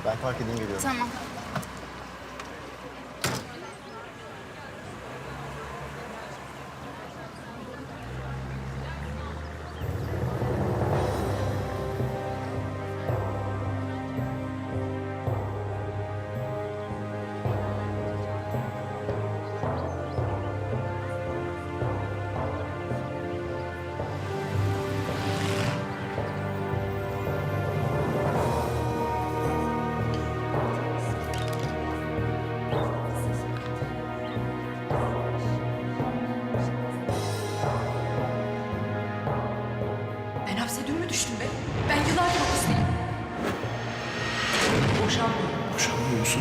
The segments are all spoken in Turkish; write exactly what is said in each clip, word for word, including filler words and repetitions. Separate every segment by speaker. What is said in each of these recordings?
Speaker 1: Ben fark edeyim geliyorum.
Speaker 2: Tamam.
Speaker 3: Ben hapse dün mü düştüm be? Ben yıllardır hapisteyim. Boşanmıyorum.
Speaker 4: Boşanmıyor musun?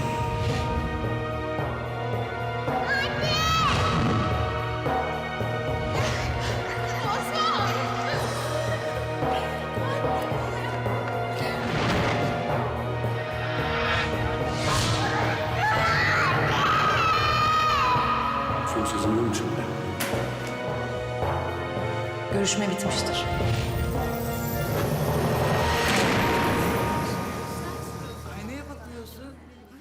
Speaker 4: Son sözüm ne şimdi?
Speaker 3: Görüşme bitmiştir.
Speaker 5: Aynaya bakıyorsun.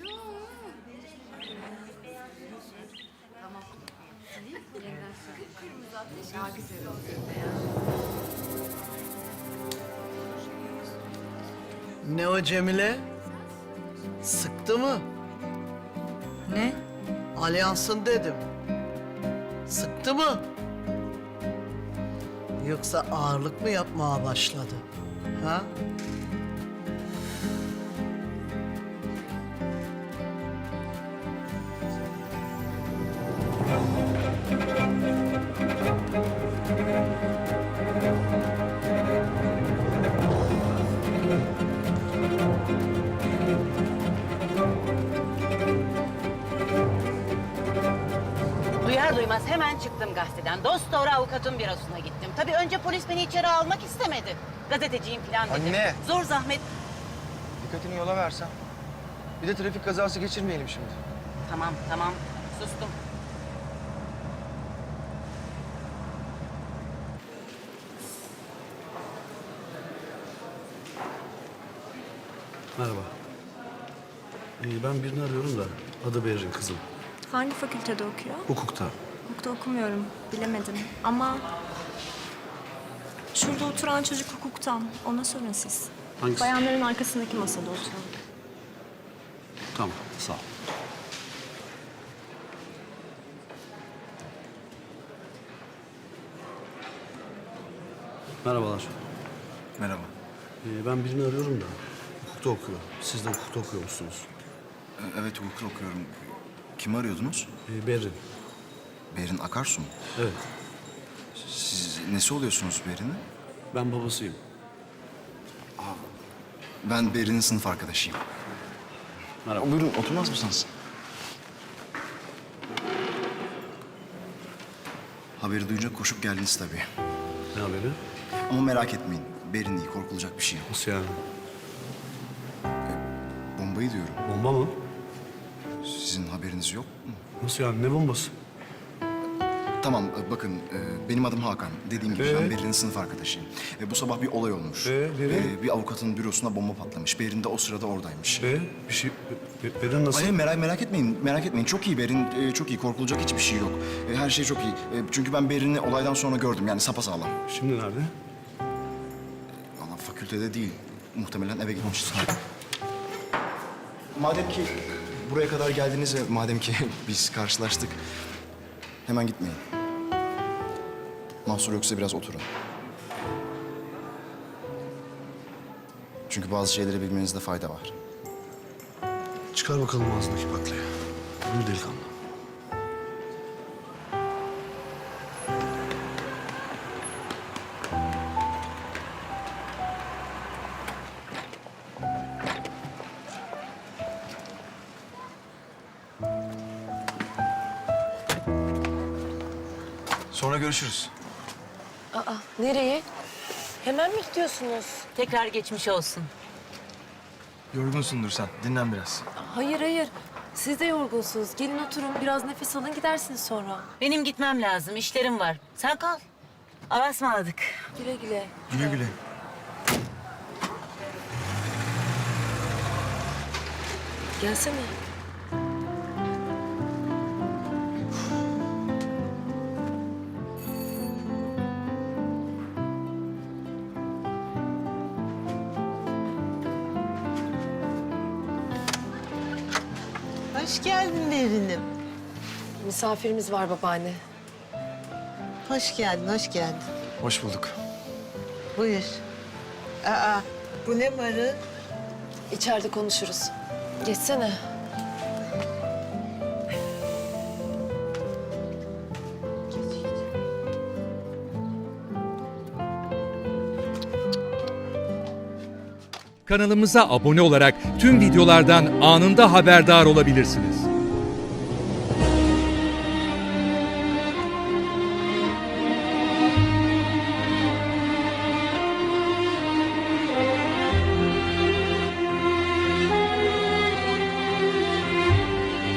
Speaker 6: Ne o Cemile? Sıktı mı?
Speaker 3: Ne?
Speaker 6: Alyansın dedim. Sıktı mı? Yoksa ağırlık mı yapmaya başladı? Ha?
Speaker 7: Duyar duymaz hemen çıktım gazeteden. Dost doğru avukatın bürosuna gittim. Tabii önce polis beni içeri almak istemedi. Gazeteciyim falan dedim.
Speaker 1: Anne!
Speaker 7: Zor zahmet.
Speaker 1: Dikkatini yola versen. Bir de trafik kazası geçirmeyelim şimdi.
Speaker 7: Tamam tamam sustum.
Speaker 4: Merhaba. Ee, ben birini arıyorum da adı Berrin kızım.
Speaker 8: Hangi fakültede okuyor?
Speaker 4: Hukukta.
Speaker 8: Hukukta okumuyorum, bilemedim. Ama şurada oturan çocuk hukuktan. Ona sorun siz.
Speaker 4: Hangisi?
Speaker 8: Bayanların arkasındaki masada oturan.
Speaker 4: Tamam, sağ ol. Merhabalar.
Speaker 1: Merhaba.
Speaker 4: Ee, ben birini arıyorum da hukukta okuyor. Siz de hukukta okuyor musunuz?
Speaker 9: Evet, hukuk okuyorum. Kimi arıyordunuz?
Speaker 4: Ee, Berrin.
Speaker 9: Berin Akarsu mu?
Speaker 4: Evet.
Speaker 9: Siz nesi oluyorsunuz Berin'in?
Speaker 4: Ben babasıyım.
Speaker 9: Ben Berin'in sınıf arkadaşıyım.
Speaker 4: Merhaba.
Speaker 9: Buyurun, oturmaz mısınız? Haberi duyunca koşup geldiniz tabii.
Speaker 4: Ne haberi?
Speaker 9: Ama merak etmeyin, Berin iyi, korkulacak bir şey yok.
Speaker 4: Nasıl yani?
Speaker 9: Bombayı diyorum.
Speaker 4: Bomba mı?
Speaker 9: Sizin haberiniz yok mu?
Speaker 4: Nasıl yani? Ne bombası?
Speaker 9: Tamam, e, bakın e, benim adım Hakan. Dediğim gibi
Speaker 4: Ee?
Speaker 9: ben Berin'in sınıf arkadaşıyım. E, bu sabah bir olay olmuş.
Speaker 4: Ee, Berin?
Speaker 9: E, bir avukatın bürosuna bomba patlamış. Berin de o sırada oradaymış.
Speaker 4: Ee, bir şey... Be- Berrin nasıl?
Speaker 9: Hayır merak merak etmeyin, merak etmeyin. Çok iyi Berin, e, çok iyi. Korkulacak hiçbir şey yok. E, her şey çok iyi. E, çünkü ben Berin'i olaydan sonra gördüm. Yani sapasağlam.
Speaker 4: Şimdi nerede?
Speaker 9: Valla fakültede değil. Muhtemelen eve gitmiştir. Madem ki buraya kadar geldiniz ve madem ki biz karşılaştık, hemen gitmeyin. Mahsur yoksa biraz oturun. Çünkü bazı şeyleri bilmenizde fayda var.
Speaker 4: Çıkar bakalım ağzındaki baklayı. Buyur delikanlı.
Speaker 1: Sonra görüşürüz.
Speaker 10: Aa, nereye? Hemen mi gidiyorsunuz?
Speaker 7: Tekrar geçmiş olsun.
Speaker 1: Yorgunsundur sen. Dinlen biraz.
Speaker 10: Hayır, hayır. Siz de yorgunsunuz. Gelin oturun, biraz nefes alın, gidersiniz sonra.
Speaker 7: Benim gitmem lazım, işlerim var. Sen kal. Allah'a ısmarladık.
Speaker 10: Güle güle.
Speaker 1: Güle güle.
Speaker 10: Gelsene.
Speaker 2: Hoş geldin Berinim.
Speaker 10: Misafirimiz var babaanne.
Speaker 2: Hoş geldin, hoş geldin.
Speaker 9: Hoş bulduk.
Speaker 2: Buyur. Aa, bu ne marı?
Speaker 10: İçeride konuşuruz. Geçsene.
Speaker 11: Kanalımıza abone olarak tüm videolardan anında haberdar olabilirsiniz.